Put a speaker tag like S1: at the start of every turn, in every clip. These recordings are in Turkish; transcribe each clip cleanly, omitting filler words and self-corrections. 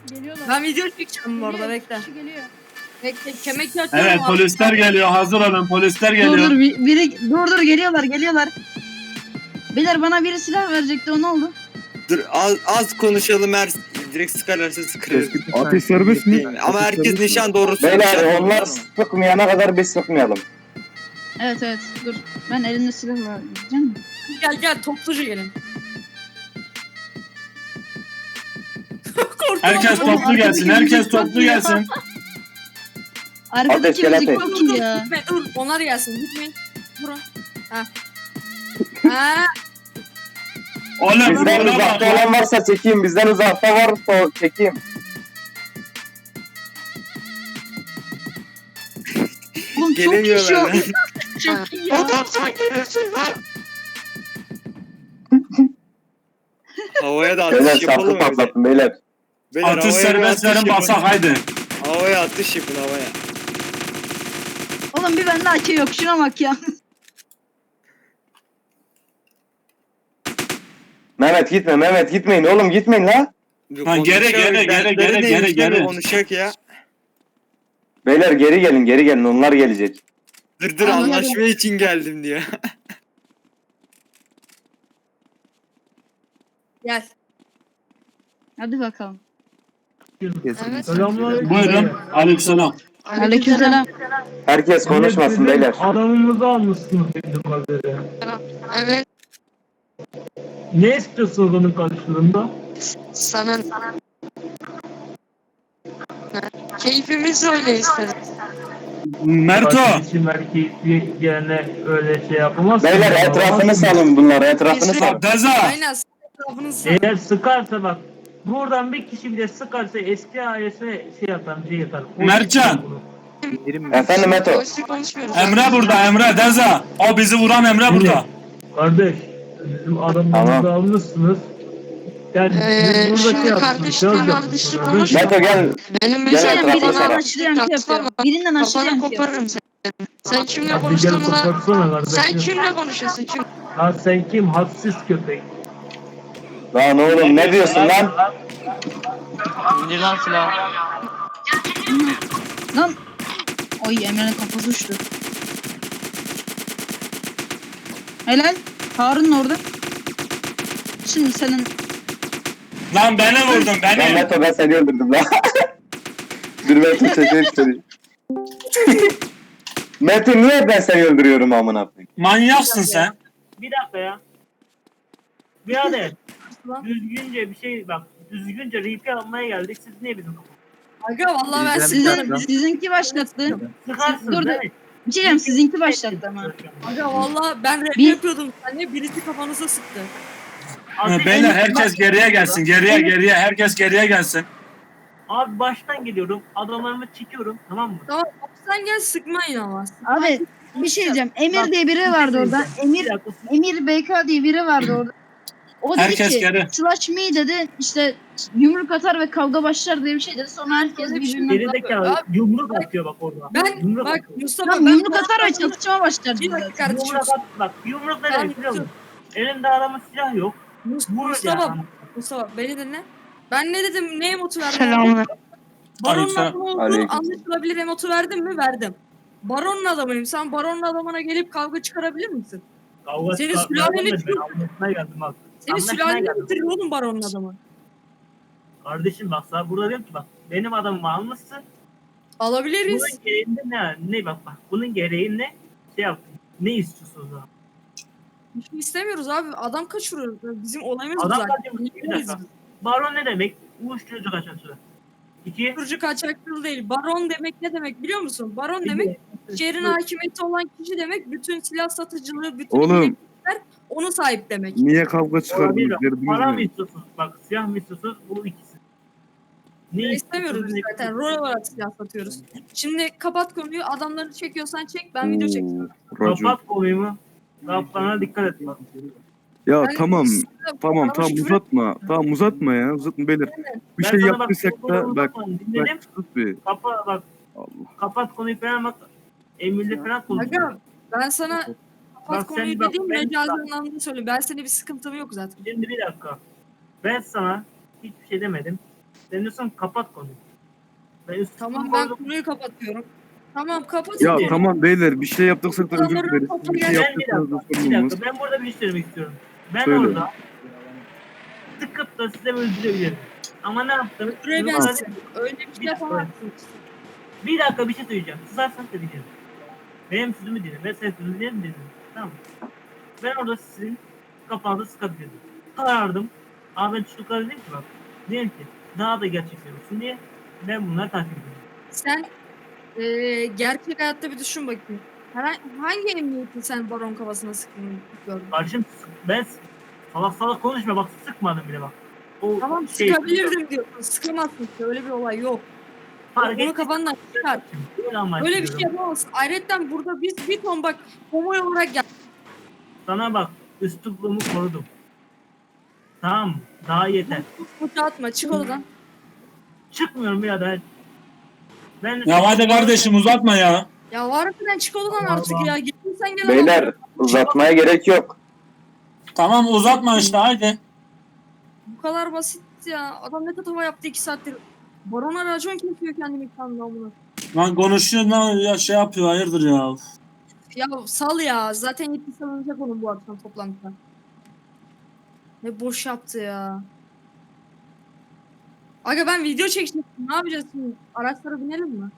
S1: Geliyorlar.
S2: Ben video çekeceğim bu arada
S1: Geliyor,
S2: bekle.
S1: kişi geliyor.
S2: Bekle kemek atıyorum.
S3: Evet polisler geliyor. Hazır olun. Polisler
S4: Dur
S3: geliyor.
S4: dur dur geliyorlar. Beyler bana biri silah verecekti o ne oldu?
S5: Dur az konuşalım direkt sıkarlarsa sıkarız.
S6: Ateş serbest mi?
S5: Ama herkes nişan doğrusu.
S7: Beyler onlar sıkmayana kadar biz sıkmayalım.
S4: Evet dur. Ben elimde silahla gideceğim.
S2: Gel topluca gelin. Korktum
S3: Herkes
S2: ama.
S3: toplu gelsin. Herkes toplu gelsin.
S4: Arkadaki
S7: gel,
S4: müzik
S7: ateş.
S4: çok iyi ya.
S2: Gitme, dur onlar gelsin gitmeyin. Vurun. Ha. Ha.
S3: Oğlum
S7: Bizden
S3: buna
S7: uzakta
S3: bak.
S7: olan varsa çekeyim. Bizden uzakta varsa çekeyim.
S4: Oğlum çok iyi
S5: Gelemiyorlar.
S4: şu. Çok iyi ya.
S5: Havaya da
S7: Beyler
S5: atış yapalım
S7: şarkı
S5: mı bir de?
S7: patlattım beyler.
S5: Beyler,
S3: Atış
S5: havaya bir
S3: serbestlerin
S5: atış yapın.
S3: basak haydi.
S5: Havaya atış yapın havaya.
S4: Oğlum bir bende AK yok şuna bak ya.
S7: Mehmet gitme Mehmet gitmeyin oğlum gitmeyin la.
S3: Lan geri.
S5: Konuşacak ya.
S7: Beyler geri gelin onlar gelecek.
S5: Dur
S4: Anladım.
S5: anlaşma için geldim diyor.
S2: Gel.
S4: Hadi bakalım.
S3: Buyurun. Aleykümselam.
S4: Aleykümselam.
S7: Herkes konuşmasın beyler.
S8: Adamımızı almışsınız bildiğim kadarıyla.
S9: Evet,
S8: Ne istiyorsunuz onun karşılığında?
S9: sana keyfimiz öyle isteriz.
S3: Merto.
S8: Kardeşim erkeği gelene öyle şey yapamaz.
S7: Beyler etrafını salın bunları etrafını salın.
S3: Deza.
S2: Aynen. Etrafını sar.
S8: Eğer sıkarsa bak, buradan bir kişi bile sıkarsa eski ailesine şey yapar, şey yapar.
S3: Mertcan.
S7: Efendim Meto.
S9: Boşluk konuşmuyoruz.
S3: Emre burada Emre Deza. O bizi vuran Emre burada.
S8: Kardeş, bizim adamlarımızı
S7: Tamam.
S8: almışsınız. Yani biz burada
S9: Şimdi
S8: şey yapmışsınız.
S9: kardeşim,
S8: söz
S9: kardeşim
S8: yapmışsınız.
S9: konuşma.
S7: Meto gel.
S9: Benim
S7: Gel
S9: mesela
S7: etrafına
S4: Birinden
S7: sarar.
S4: aşırı yankı yapıyor. Birinden aşırı
S9: Kafanı
S4: yankı yapıyor.
S9: koparırım seni. Sen kimle
S8: Hadi gel
S9: konuştuğunu
S8: koparsana kardeşim.
S9: sen kimle konuşuyorsun? Kim?
S8: Lan sen kim? Hadsiz köpek.
S7: Lan oğlum ne diyorsun lan?
S6: İndir lan silahı.
S4: Lan. Oy Emre'nin kafası uçtu. Helal. Harun orada. Şimdi senin
S3: Lan beni vurdun
S7: Lan
S3: beni.
S7: Meto ben seni öldürdüm lan. Dur Meto çocuğu istedi. Meto niye ben seni öldürüyorum amına koyayım?
S3: Manyaksın sen.
S8: Bir dakika ya. Birader.
S2: Lan.
S8: Düzgünce bir şey bak. Düzgünce RP almaya geldik. Siz niye bizim
S2: Aga vallahi ben sıkarım.
S4: sizinki başlattı.
S8: sıkarsınız
S4: Dur,
S8: değil mi?
S4: Bir şey diyeyim sizinki başlattı ama.
S2: Aga vallahi ben rap
S4: Bir-
S2: yapıyordum. Sen birisi kafanıza sıktı.
S3: Beyler herkes geriye gelsin. Geriye. Herkes geriye gelsin.
S8: Abi baştan geliyorum. Adamlarımı çekiyorum. Tamam mı?
S2: Tamam sen gel sıkmayın ama.
S4: Abi bir şey diyeceğim. Emir diye biri vardı orada. Emir BK diye biri vardı orada. O dedi
S3: Herkes
S4: ki
S3: geri.
S4: slash me dedi işte yumruk atar ve kavga başlar diye bir şey dedi. Sonra herkes birbirine
S8: Gerizekalı yumruk atıyor bak orada.
S2: Ben
S8: Yumruk
S2: bak
S8: atıyor.
S2: Mustafa
S4: Tamam
S2: ben
S4: yumruk atar ve çatışma başlar
S2: Bir
S4: dedi.
S2: dakika kardeşim.
S8: Yumruk at bak. Yumruk ne
S2: Ben-
S8: demek biliyor musun? Elinde adamın silah yok. Vur
S2: Mustafa,
S8: ya.
S2: Mustafa beni dinle. Ben ne dedim? Ne emotu verdim?
S9: Selamlar.
S2: Baronun
S3: Aleykümselam.
S2: adamı olduğu
S7: Aleyküm.
S2: anlaşılabilir emotu verdim mi? Verdim. Baronun adamıyım. Sen baronun adamına gelip kavga çıkarabilir misin?
S8: Kavga
S2: Senin
S8: çıkartmaya
S2: sülaleni
S8: gelmedim,
S2: tut.
S8: ben anlatmaya geldim bak.
S2: Senin
S8: Anlaşmaya
S2: sülaleni
S8: geldim.
S2: bitirir oğlum baronun adamı.
S8: Kardeşim bak sana burada diyorum ki bak. Benim adamımı almışsın.
S2: Alabiliriz.
S8: Bunun gereğinde ne bak. Bunun gereği ne? Şey yaptın. Ne istiyorsun o zaman?
S2: Bir şey istemiyoruz abi. Adam kaçırıyor. Bizim olayımız bu
S8: Adam
S2: zaten.
S8: kaçırmış, bir dakika. Baron ne demek? Uyuşturucu kaçakçılığı. İki.
S2: Kurucu kaçakçılığı değil. Baron demek ne demek biliyor musun? Baron demek şehrin hakimiyeti olan kişi demek. Bütün silah satıcılığı, bütün
S6: Oğlum.
S2: bileklikler ona sahip demek.
S6: Niye kavga
S8: Olabilir.
S6: çıkardınız? Derdiniz
S8: Para mı
S6: ne?
S8: istiyorsunuz? Bak silah mı istiyorsunuz? Bu ikisi. Ne
S2: İstemiyoruz biz zaten. Rol olarak silah satıyoruz. Şimdi kapat konuyu. Adamları çekiyorsan çek. Ben video çekiyorum.
S6: Racon.
S8: Kapat konuyu mu? Kaplarına dikkat et bak.
S6: Ya
S2: Ben
S6: tamam.
S2: size
S6: Tamam
S2: bana
S6: tamam
S2: küfür-
S6: uzatma. Tamam uzatma ya. Uzatma beyler. Bir
S8: Ben
S6: şey
S8: sana bak,
S6: yaptıysak
S8: konuyu
S6: da bak.
S8: dinledim.
S6: Bak sus bir.
S8: Bak
S6: Allah.
S8: kapat konuyu falan bak. Emirle falan konuşuyor.
S2: Aga ben sana kapat
S8: Bak
S2: konuyu
S8: sen bak,
S2: dediğim
S8: ben-
S2: mecazi anlamda söyleyeyim. Ben senin bir sıkıntım yok zaten.
S8: Şimdi bir dakika. Ben sana hiçbir şey demedim. Sen diyorsun kapat konuyu. Ben üstüme
S2: Tamam ben
S8: koydum.
S2: konuyu kapatıyorum. Tamam kapat.
S6: Ya tamam beyler bir şey yaptıysak da özür
S2: Adamların
S6: dileriz.
S2: topu
S6: Bir şey
S2: gelen
S6: yaptıysanız da
S8: Bir
S6: sorun olmaz.
S8: dakika ben burada bir şey söylemek istiyorum. Ben
S6: Söyle.
S8: orada sıkıp da size öldürebilirim. Ama ne yaptım?
S2: Öldüremezsin. Öyle bir şey
S8: Bir-
S2: yapamazsın.
S8: Bir dakika bir şey söyleyeceğim. Susarsan da diyeceğim. Benim sözümü dinle. Ben senin sözünü dinle. Tamam mı? Ben orada sizin kafanızda sıkabilirdim. Karardım. Ama ben çocuklara dedim ki bak. Dedim ki daha da gerçekçi olsun diye ben bunları takip ediyorum.
S2: Sen gerçek hayatta bir düşün bakayım. Hangi emniyetin sen baron kafasına sıktığını gördün?
S8: Kardeşim ben salak salak konuşma bak sıkmadım bile bak. O
S2: Tamam
S8: şey-
S2: sıkabilirdim diyorsun. Sıkamazsın ki. Öyle bir olay yok.
S8: Fark
S2: Onu
S8: ettim.
S2: kafandan çıkar. Öyle bir şey yapamazsın. Ayrıca burada biz bir ton bak konvoy olarak gel.
S8: Sana bak üslupluğumu korudum. Tamam mı? Daha yeter.
S2: Kutu atma çık odadan.
S8: Çıkmıyorum birader. Ben
S3: Ya hadi kardeşim uzatma ya.
S2: Ya var mı çık odadan
S8: Allah
S2: artık
S8: Allah.
S2: ya. Gittin gel.
S7: Beyler uzatmaya gerek yok.
S3: Tamam uzatma işte haydi.
S2: Bu kadar basit ya. Adam ne tatava yaptı 2 saattir. Barona racon kesiyor kendini ikramda amına.
S3: Lan konuşuyor lan ya şey yapıyor hayırdır ya.
S2: Ya sal ya. Zaten yetki salınacak onun bu akşam toplantıda. Ne boş yaptı ya. Aga ben video çekecektim. Ne yapacağız şimdi? Araçlara binelim mi?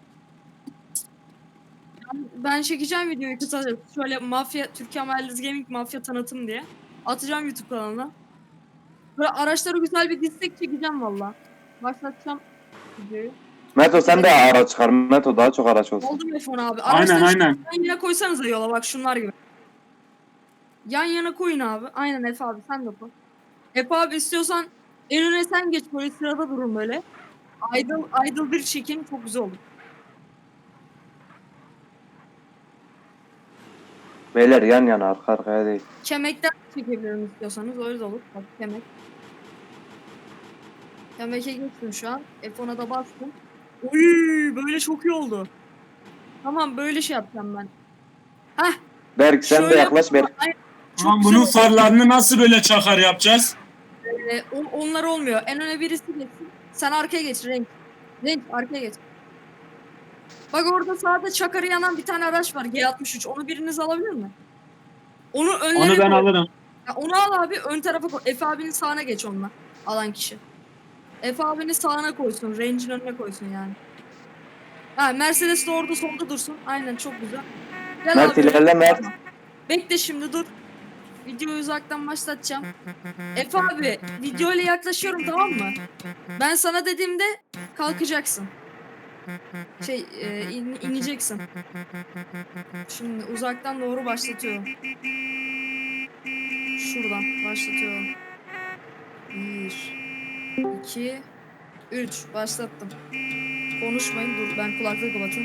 S2: Ben çekeceğim videoyu kısaca. Şöyle mafya, Türkiye Mahallesi Gaming mafya tanıtım diye. Atacağım YouTube kanalına. Böyle araçlara güzel bir dislek çekeceğim valla. Başlatacağım videoyu.
S7: Meto sen de araç çıkar. Meto daha çok araç olsun.
S2: Oldu mu F10 abi?
S3: Aynen
S2: Araçları
S3: aynen.
S2: yan yana koysanıza yola bak şunlar gibi. Yan yana koyun abi. Aynen Efe abi sen de koy. Efe abi istiyorsan en öne sen geç böyle sırada durun böyle. Idle bir çekin çok güzel olur.
S7: Beyler yan yana arka arkaya değil.
S2: Kemekten çekebilirim istiyorsanız öyle de olur. Bak kemek. Kemeke geçtim şu an. F10'a da bastım. Oy böyle çok iyi oldu. Tamam böyle şey yapacağım ben. Heh.
S7: Berk sen de
S2: şöyle
S7: yaklaş Berk.
S2: Aynen, çok
S3: Tamam
S2: güzel
S3: bunun
S2: oldu.
S3: farlarını nasıl böyle çakar yapacağız?
S2: Onlar olmuyor. En öne birisi geçsin. Sen arkaya geç renk. Renk arkaya geç. Bak orada sağda çakarı yanan bir tane araç var G63. Onu biriniz alabilir mi? Onu önlerine
S3: Onu ben
S2: koy.
S3: alırım.
S2: Ya onu al abi ön tarafa koy. Efe abinin sağına geç onunla. Alan kişi. Efe abinin sağına koysun. Range'in önüne koysun yani. Ha Mercedes de orada solda dursun. Aynen çok güzel. Gel
S7: Mert
S2: abi.
S7: ilerle Mert.
S2: Bekle şimdi dur. Videoyu uzaktan başlatacağım. Efe abi video ile yaklaşıyorum tamam mı? Ben sana dediğimde kalkacaksın. İneceksin. Şimdi uzaktan doğru başlatıyorum. Şuradan başlatıyorum. 1 2 3 başlattım. Konuşmayın dur ben kulaklığı kapatayım.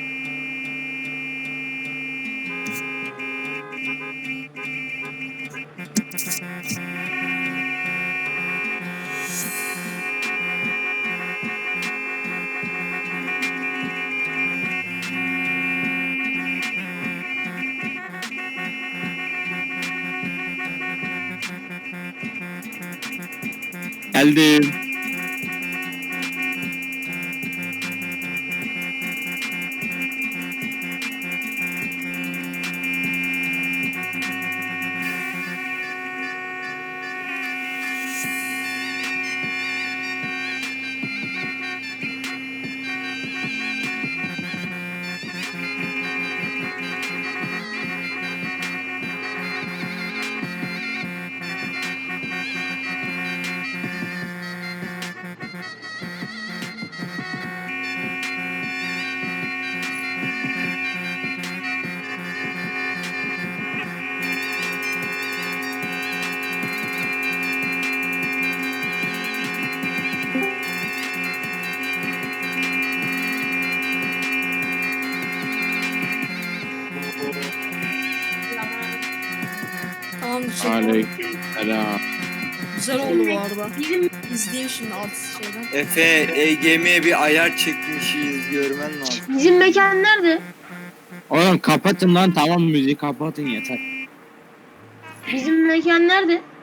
S6: Geldim.
S2: Tamamdır
S6: Aleykümselam.
S2: Güzel oldu bu arada. İzleyeyim şimdi alt şeyden.
S5: Efe EGM'ye bir ayar çekmişiz görmen lazım.
S4: Bizim mekan nerede?
S6: Oğlum kapatın lan tamam müziği kapatın yeter.
S4: Bizim mekan nerede?